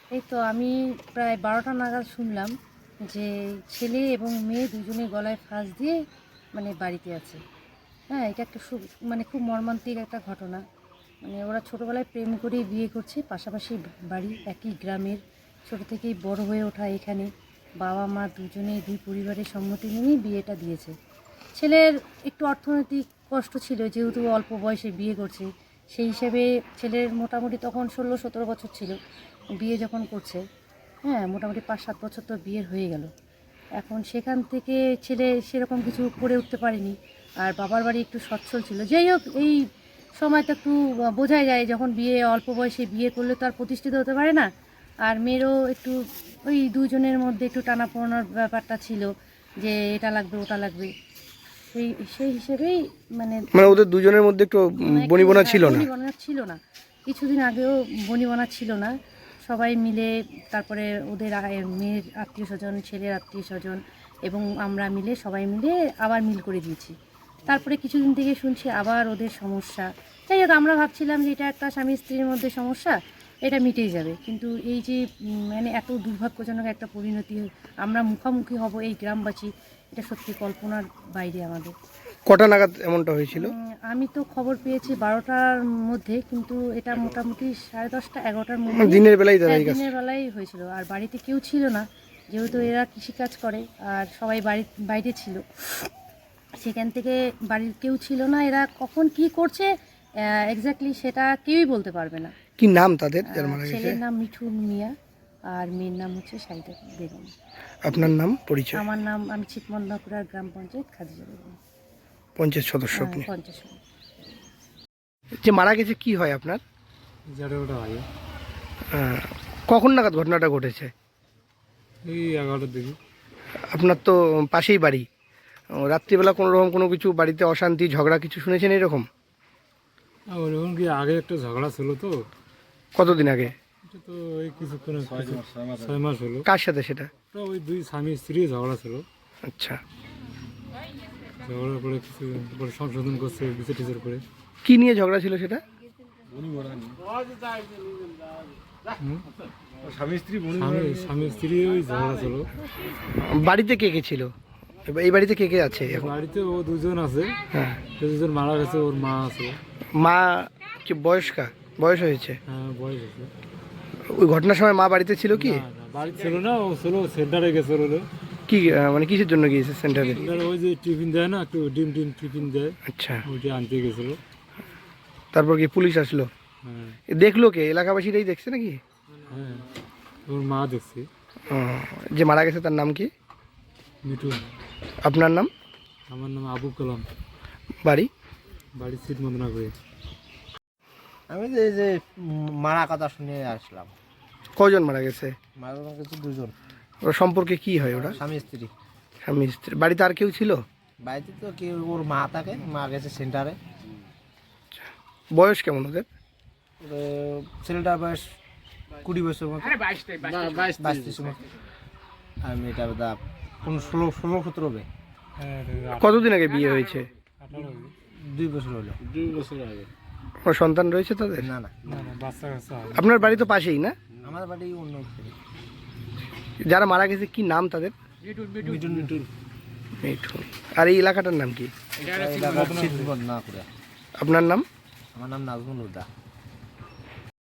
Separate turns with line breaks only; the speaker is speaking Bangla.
এই তো আমি প্রায় 12টা নাগাদ শুনলাম যে ছেলে এবং মেয়ে দুজনে গলায় ফাঁস দিয়ে মানে বাড়িতে আছে। হ্যাঁ, এটা একটা খুব মর্মান্তিক একটা ঘটনা। মানে ওরা ছোটোবেলায় প্রেম করেই বিয়ে করছে, পাশাপাশি বাড়ি, একই গ্রামের, ছোটো থেকেই বড় হয়ে ওঠা এখানে। বাবা মা দুজনেই দুই পরিবারের সম্মতি নিয়েই বিয়েটা দিয়েছে। ছেলের একটু অর্থনৈতিক কষ্ট ছিল, যেহেতু অল্প বয়সে বিয়ে করছে। সেই হিসেবে ছেলের মোটামুটি তখন 16-17 বছর ছিল বিয়ে যখন করছে। হ্যাঁ, মোটামুটি 5-7 বছর তো বিয়ের হয়ে গেল। এখন সেখান থেকে ছেলে সেরকম কিছু করে উঠতে পারেনি। আর বাবার বাড়ি একটু সচ্ছল ছিল। যাই হোক, এই সময়টা একটু বোঝাই যায়, যখন অল্প বয়সে বিয়ে করলে তো আর প্রতিষ্ঠিত হতে পারে না। আর মেয়েরও একটু ওই দুজনের মধ্যে একটু টানাপোড়ানোর ব্যাপারটা ছিল, যে এটা লাগবে ওটা লাগবে। সেই সেই হিসেবেই মানে
ওদের দুজনের মধ্যে একটু বনিবনা ছিল না।
বনিবনা ছিল না, কিছুদিন আগেও বনিবনা ছিল না। সবাই মিলে, তারপরে ওদের মেয়ের আত্মীয় স্বজন, ছেলের আত্মীয় স্বজন এবং আমরা মিলে সবাই মিলে আবার মিল করে দিয়েছি। তারপরে কিছুদিন থেকে শুনছি আবার ওদের সমস্যা। যাই হোক, আমরা ভাবছিলাম যে এটা একটা স্বামী স্ত্রীর মধ্যে সমস্যা, এটা মিটেই যাবে। কিন্তু এই যে মানে এত দুর্ভাগ্যজনক একটা পরিণতি আমরা মুখোমুখি হব এই গ্রামবাসী, এটা সত্যি কল্পনার বাইরে আমাদের।
কটা নাগাদ এমনটা হয়েছিল?
আমি তো খবর পেয়েছি 12টার মধ্যে, কিন্তু এটা মোটামুটি 10:30, 11টার মধ্যে
দিনের বেলায়
দিনের বেলায় হয়েছিল। আর বাড়িতে কেউ ছিল না, যেহেতু এরা কৃষিকাজ করে আর সবাই বাইরে ছিল। সেখান থেকে বাড়ির কেউ ছিল না। এরা কখন কি করছে এক্স্যাক্টলি সেটা কেউই বলতে পারবে না।
কি নাম তাদের যার মারা গেছে?
ছেলের নাম মিঠু মিয়া আর মেয়ের নাম হচ্ছে সাইদা বেগম।
আপনার নাম, পরিচয়?
আমার নাম, আমি ছিটমন্দাপুরার গ্রাম পঞ্চায়েত খাদিজা বেগম,
পঞ্চায়েত সদস্য আপনি?
পঞ্চায়েত সদস্য।
যে মারা গেছে কি হয় আপনার?
ওটা হয়
কখন নাগাদ ঘটনাটা ঘটেছে?
এই 11টার দিকে।
আপনার তো পাশেই বাড়ি। রাত্রিবেলা কোনো রকম কোনো কিছু বাড়িতে অশান্তি ঝগড়া কিছু শুনেছেন এরকম?
ওরকম কি আগে একটা ঝগড়া ছিল তো।
কতদিন আগে?
এটা তো এই কিছুক্ষণ 6 মাস হলো।
কার সাথে সেটা?
তো ওই দুই স্বামী স্ত্রী ঝগড়া ছিল।
আচ্ছা,
ঝগড়া করে কিছু পরে সংশোধন করছে বিচার টিচার করে।
কি নিয়ে ঝগড়া ছিল সেটা?
স্বামী স্ত্রী ওই ঝগড়া ছিল।
বাড়িতে কে কে ছিল? এই বাড়িতে কে কে আছে এখন?
বাড়িতে ও দুজন আছে।
হ্যাঁ।
দুজন মারা গেছে, ওর মা আছে।
মা কি বয়স হয়েছে?
হ্যাঁ, বয়স আছে।
ওই ঘটনার সময় মা বাড়িতে ছিল কি?
না, বাড়ি ছিল না, ও ছিল সেন্টারে গেছে।
কি মানে কিসের জন্য গিয়েছে সেন্টারে?
ওই যে টিফিন দেয় না, একটু ডিম টিফিন দেয়।
আচ্ছা,
ওইটা আনতে গেছিল।
তারপর কি পুলিশ আসলো?
হ্যাঁ।
দেখলো কে? এলাকাবাসীরাই দেখছে নাকি?
হ্যাঁ, ওর মা দেখছি।
যে মারা গেছে তার নাম কি?
মিঠু।
আপনার নাম?
আমার নাম আবু কালাম।
বাড়ি
সিট মন্দনা করে।
আমি যে মারা কথা শুনে আসলাম।
কজন মারা গেছে?
মারা গেছে দুজন।
ওর সম্পর্কে কি হয় ওরা?
স্বামী স্ত্রী।
স্বামী স্ত্রী। বাড়িতে আর কেউ ছিল?
বাড়িতে তো কেউ, ওর মা থাকে, মা গেছে সেন্টারে।
বয়স কেমন ওদের?
ছেলেটার বয়স 20 বছর মতো, 22-23 মতো। আর মেয়েটা বোধ 16-17 হবে।
কতদিন আগে বিয়ে হয়েছে?
2 বছর হলো।
2 বছর আগে।
কোনো সন্তান রয়েছে তাদের?
না না,
বাচ্চা কাচ্চা।
আপনার বাড়ি তো পাশেই না?
আমার বাড়ি অন্য ছেলে।
যারা মারা গেছে কি নাম তাদের?
মিঠুন।
মিঠুন। আর এই এলাকাটার নাম কি?
না করে।
আপনার নাম?
আমার নাম নাজমুল হুদা।